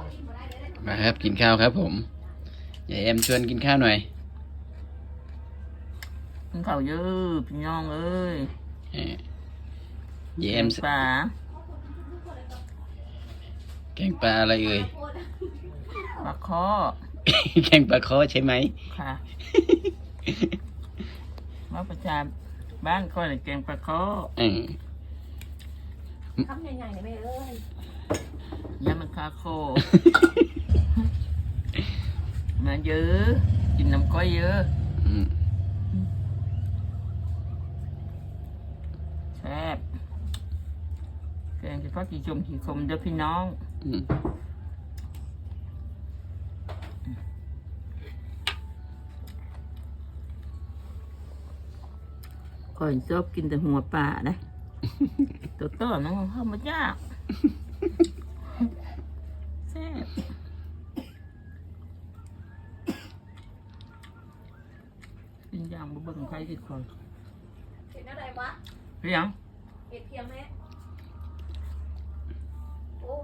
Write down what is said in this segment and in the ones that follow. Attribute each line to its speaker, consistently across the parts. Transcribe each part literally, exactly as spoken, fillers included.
Speaker 1: มาครับกินข้าวครับผมยายแอมชวนกินข้าวหน่อย
Speaker 2: กินข้าวเยอะพี่น้องเอ้ย
Speaker 1: ยายแอม
Speaker 2: ปลา
Speaker 1: แกงปลาอะไรเอ่ย
Speaker 2: ปลาคอ
Speaker 1: แกงปลาคอใช่ไหม
Speaker 2: ค่ะมาประจานบ้านก็เลยแกงปลาคอ
Speaker 3: ทำยังไงเนี่ยแม่เอ้ย
Speaker 2: ยำมันคาโคมาเยอะกินน้ำก้อยเยอะแซ่บแกงเฉพาะกี่ชมกี่คมเด้อพี่น้องก่อนชอบกินแต่หัวปลานะตัวโตน้องเข้ามายากแซ่บกินอย่างบ่เบิ่งใครที่คน
Speaker 3: เห็นอะไรวะ
Speaker 2: เรียง
Speaker 3: เห็ดเพียงไหมโอ้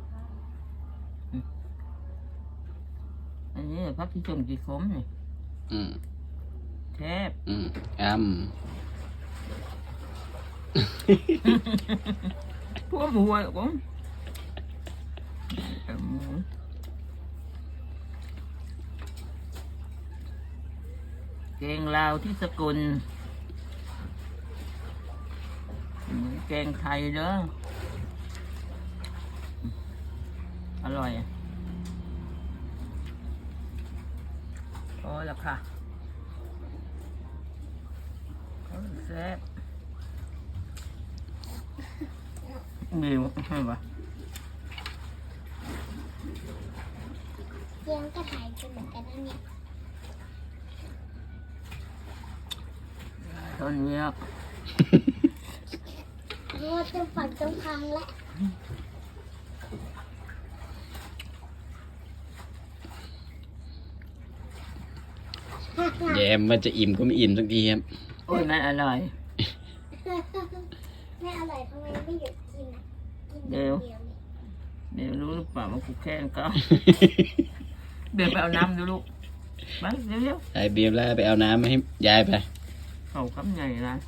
Speaker 2: อันนี้พักที่ชมกี่คมนี่แทบ
Speaker 1: อืมอ้ำ
Speaker 2: พวกหมูอ่ะผมแกงลาวที่สกุลเหมือนแกงไทยเด้ออร่อยพอแล้วค่ะแซ่บมีใช่ปะ
Speaker 4: เลี้ยงกระต่ายกันเหมือนกันนะเนี่ย
Speaker 2: ตอนนี้
Speaker 4: เพราะว่าจะฝันจงพังแล้ว
Speaker 1: แยมมันจะอิ่มก็ไม่อิ่มสักทีครับ
Speaker 2: โอ้ยมันอร่อย
Speaker 4: ไม่อร่อยทำไมไม่หยุดกินอ่ะกิน
Speaker 2: เดี๋ยวเดี๋ยวรู้หรือเปล่าว่ากูแค่ก็เบียร์ไปเอาน้ำดูลูกมาเร็ว
Speaker 1: ๆไอเบียร์แล้วไปเอาน้ำให้ยายไป
Speaker 2: เขาคำใหญ่นะ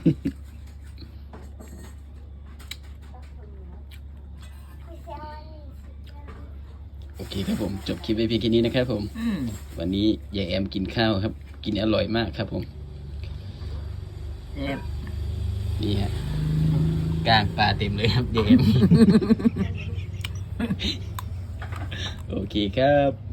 Speaker 1: โอเคครับผมจบคลิปไว้เพียงแค่นี้นะครับผมวันนี้ยายแอมกินข้าวครับกินอร่อยมากครับผมนี่ฮะกลางปลาเต็มเลยครับยายแอมโอเคครับ